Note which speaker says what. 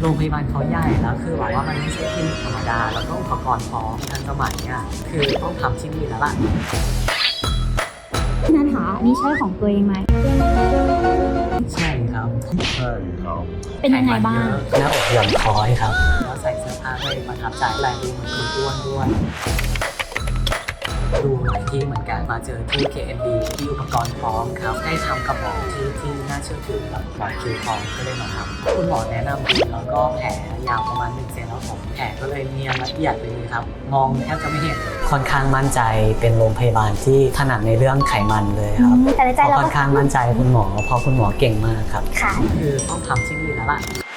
Speaker 1: โรงพยาบาลเขาใหญ่แล้วคือแบบว่ามันไม่ใช่คลินิกธรรมดาแล้วก็อุปกรณ์พร้อมทันสมัยอ่ะคือต้องทำที่นี่แล้วล่ะ
Speaker 2: พี่นัทคะนี่ใช่ของตัวเองไหม
Speaker 1: ใช่ครับ
Speaker 2: เป็นยังไงบ้าง
Speaker 1: หน้าอกหย่อนคอยครับแล้วใส่เสื้อผ้าไม่ประทับใจแรงดูเหมือนคุณอ้วนด้วยดูหลายที่เหมือนกันมาเจอที่ KMD ที่อุปกรณ์พร้อมครับได้ทำกับหมอที่น่าเชื่อถือแบบหมอคิวพร้อมก็เลยมาทำคุณหมอแนะนำดีแล้วก็แผลยาวประมาณ1 เซนแล้วผมแผลก็เลยเนียนละเอียดเลยครับมองแทบจะไม่เห็นค่อนข้างมั่นใจเป็นโรงพยาบาลที่ถนัดในเรื่องไขมันเลยครับ
Speaker 2: แต่ในใจเรา
Speaker 1: ค่อนข้างมั่นใจคุณหมอเพราะคุณหมอเก่งมากครับ
Speaker 2: ค่ะ
Speaker 1: คือต้องทำที่นี่แล้วล่ะ